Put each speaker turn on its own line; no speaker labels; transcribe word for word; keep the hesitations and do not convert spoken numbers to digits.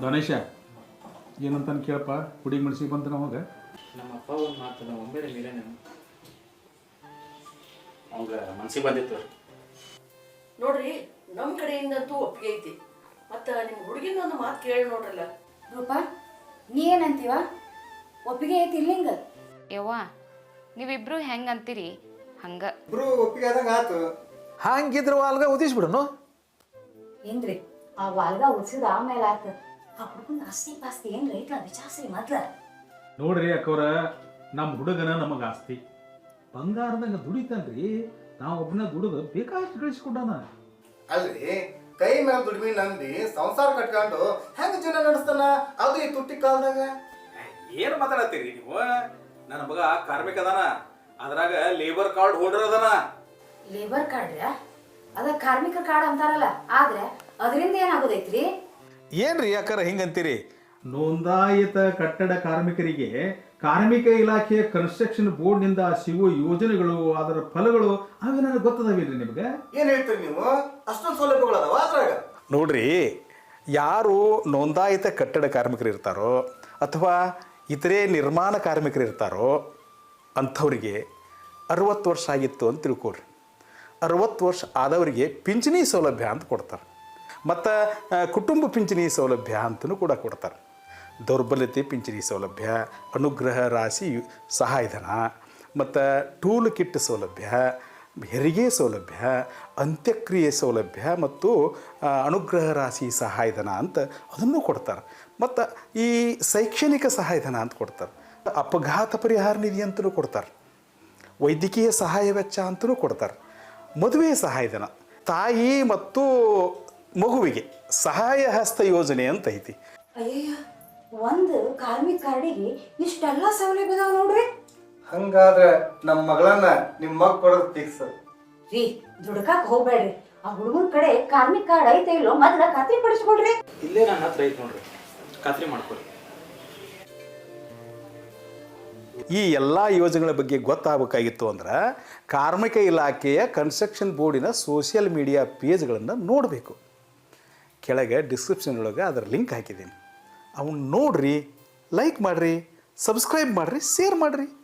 ಗಣೇಶ ಏನಂತಾನೆ ಕೇಳಪ್ಪ, ಹುಡುಗಿ ಮನಸ್ಸಿಗೆ ಬಂತು ನಮಗೆ.
ನಮ್ಮ ಅಪ್ಪ ಒಂದು ಮಾತು ನಮ್ಮ ಒಮ್ಮೆಲೆ ಮೇಲೆ ಅವಾಗ ಮನ್ಸಿಗೆ ಬಂದಿತ್ತು
ನೋಡ್ರಿ. ನಮ್ಮ ಕಡೆಯಿಂದಂತೂ ಒಪ್ಪಿಗೆ ಐತಿ. ಮತ್ತು ನಿಮ್ಮ ಹುಡುಗಿನ ಒಂದು ಮಾತು ಕೇಳಿ ನೋಡ್ರಲ್ಲ.
ರೂಪ ನೀ ಏನಂತೀವ? ಒಪ್ಪಿಗೆ ಐತಿ ಇಲ್ಲಿಂಗ?
ಯವ್ವ ನೀವಿಬ್ರು ಹೆಂಗೆ ಅಂತೀರಿ ಹಂಗ
ಇಬ್ರು ಒಪ್ಪಿಗೆ ಆದಂಗೆ ಆತು.
ಹಂಗಿದ್ರೆ ವಾಲ್ಗ ಉದಿಸ್ಬಿಡನು.
ಏನ್ರಿ ಆ ವಾಲ್ಗ ಉಡ್ಸಿದ ಆಮೇಲೆ ಆತ ಆ ಹುಡುಗನ ಆಸ್ತಿ ಪಾಸ್ತಿ ಏನ್ ರೈತ ವಿಚಾರಿಸ್ರಿ ಮೊದ್ಲ.
ನೋಡ್ರಿ ಅಕ್ಕವ್ರ, ನಮ್ಮ ಹುಡುಗನ ನಮಗೆ ಆಸ್ತಿ ಬಂಗಾರದಂಗೆ ದುಡಿತಾನ್ರಿ. ನಾವು ಒಬ್ಬನ ದುಡಿದು ಬೇಕಾಷ್ಟು ಗಳಿಸ್ಕೊಡೋಣ.
ಅಲ್ರಿ ಕೈ ಮೇಲೆ ದುಡಿಮೆ ನಂಬಿ ಸಂಸಾರ ಕಟ್ಕೊಂಡು ಹೆಂಗ ಜೀವನ ನಡೆಸ್ತಾನ? ಅದು ಈ ತುಟ್ಟಿ ಕಾಲದಾಗ.
ಏನು ಮಾತಾಡತ್ತೀರಿ ನೀವು? ನನ್ನ ಮಗ ಕಾರ್ಮಿಕ ಅದಾನ, ಅದ್ರಾಗ ಲೇಬರ್ ಕಾರ್ಡ್ ಹೋಲ್ಡರ್ ಅದಾನ.
ಲೇಬರ್ ಕಾರ್ಡ್ ಅದ ಕಾರ್ಮಿಕ ಕಾರ್ಡ್ ಅಂತಾರಲ್ಲ, ಆದ್ರೆ ಅದರಿಂದ ಏನಾಗೋದೈತ್ರಿ?
ಏನ್ರಿ ಯಾಕಾರ ಹಿಂಗಂತೀರಿ?
ನೋಂದಾಯಿತ ಕಟ್ಟಡ ಕಾರ್ಮಿಕರಿಗೆ ಕಾರ್ಮಿಕ ಇಲಾಖೆ ಕನ್ಸ್ಟ್ರಕ್ಷನ್ ಬೋರ್ಡ್ನಿಂದ ಸಿಗುವ ಯೋಜನೆಗಳು, ಅದರ ಫಲಗಳು ಅವೇನಾದ್ರು ಗೊತ್ತದಾವೇನ್ರಿ ನಿಮಗೆ?
ಏನ್ ಹೇಳ್ತೀರಿ ನೀವು? ಅಷ್ಟೊಂದು ಸೌಲಭ್ಯಗಳು ಅದಾವ ಅದ್ರಾಗ?
ನೋಡ್ರಿ, ಯಾರು ನೋಂದಾಯಿತ ಕಟ್ಟಡ ಕಾರ್ಮಿಕರು ಇರ್ತಾರೋ ಅಥವಾ ಇತರೆ ನಿರ್ಮಾಣ ಕಾರ್ಮಿಕರು ಇರ್ತಾರೋ ಅಂಥವ್ರಿಗೆ ಅರವತ್ತು ವರ್ಷ ಆಗಿತ್ತು ಅಂತ ತಿಳ್ಕೊಳ್ರಿ. ಅರವತ್ತು ವರ್ಷ ಆದವರಿಗೆ ಪಿಂಚಣಿ ಸೌಲಭ್ಯ ಅಂತ ಕೊಡ್ತಾರೆ. ಮತ್ತು ಕುಟುಂಬ ಪಿಂಚಣಿ ಸೌಲಭ್ಯ ಅಂತಲೂ ಕೂಡ ಕೊಡ್ತಾರೆ. ದೌರ್ಬಲ್ಯತೆ ಪಿಂಚಣಿ ಸೌಲಭ್ಯ, ಅನುಗ್ರಹ ರಾಶಿ ಸಹಾಯಧನ, ಮತ್ತು ಟೂಲ್ ಕಿಟ್ ಸೌಲಭ್ಯ, ಹೆರಿಗೆ ಸೌಲಭ್ಯ, ಅಂತ್ಯಕ್ರಿಯೆ ಸೌಲಭ್ಯ ಮತ್ತು ಅನುಗ್ರಹ ರಾಶಿ ಸಹಾಯಧನ ಅಂತ ಅದನ್ನು ಕೊಡ್ತಾರೆ. ಮತ್ತು ಈ ಶೈಕ್ಷಣಿಕ ಸಹಾಯಧನ ಅಂತ ಕೊಡ್ತಾರೆ. ಅಪಘಾತ ಪರಿಹಾರ ನಿಧಿ ಅಂತಲೂ ಕೊಡ್ತಾರೆ. ವೈದ್ಯಕೀಯ ಸಹಾಯ ವೆಚ್ಚ ಅಂತಲೂ ಕೊಡ್ತಾರೆ. ಮದುವೆ ಸಹಾಯಧನ, ತಾಯಿ ಮತ್ತು ಮಗುವಿಗೆ ಸಹಾಯ ಹಸ್ತ ಯೋಜನೆ ಅಂತ ಐತಿ.
ಅಯ್ಯಯ್ಯ, ಒಂದು ಕಾರ್ಮಿಕ ಕಾರ್ಡಿಗೆ ಇಷ್ಟೆಲ್ಲ ಸೌಲಭ್ಯ ಅದಾವ ನೋಡ್ರಿ.
ಹಂಗಾದ್ರೆ ನಮ್ಮ ಮಗಳನ್ನ ನಿಮ್ಮ ಮಗ ಕೊಡೋದು ಫಿಕ್ಸ್
ರೀ. ದುಡ್ಕಾಕ್ ಹೋಗ್ಬೇಡ್ರಿ. ಆ ಹುಡುಗನ ಕಡೆ ಕಾರ್ಮಿಕ ಕಾರ್ಡ್ ಐತೆ ಇಲ್ಲೋ ಮೊದ್ಲ ಖಾತ್ರಿ ಪಡಿಸ್ಕೊಡ್ರಿ.
ಇಲ್ಲೇ ನನ್ನ ಹತ್ರ ಐತೆ ನೋಡ್ರಿ, ಖಾತ್ರಿ ಮಾಡ್ಕೊರಿ.
ಈ ಎಲ್ಲ ಯೋಜನೆಗಳ ಬಗ್ಗೆ ಗೊತ್ತಾಗಬೇಕಾಗಿತ್ತು ಅಂದ್ರೆ ಕಾರ್ಮಿಕ ಇಲಾಖೆಯ ಕನ್ಸ್ಟ್ರಕ್ಷನ್ ಬೋರ್ಡಿನ ಸೋಷಿಯಲ್ ಮೀಡಿಯಾ ಪೇಜ್ಗಳನ್ನು ನೋಡಬೇಕು. ಕೆಳಗೆ ಡಿಸ್ಕ್ರಿಪ್ಷನ್ ಒಳಗೆ ಅದರ ಲಿಂಕ್ ಹಾಕಿದ್ದೀನಿ. ಅವನ್ನ ನೋಡ್ರಿ, ಲೈಕ್ ಮಾಡಿರಿ, ಸಬ್ಸ್ಕ್ರೈಬ್ ಮಾಡಿರಿ, ಶೇರ್ ಮಾಡಿರಿ.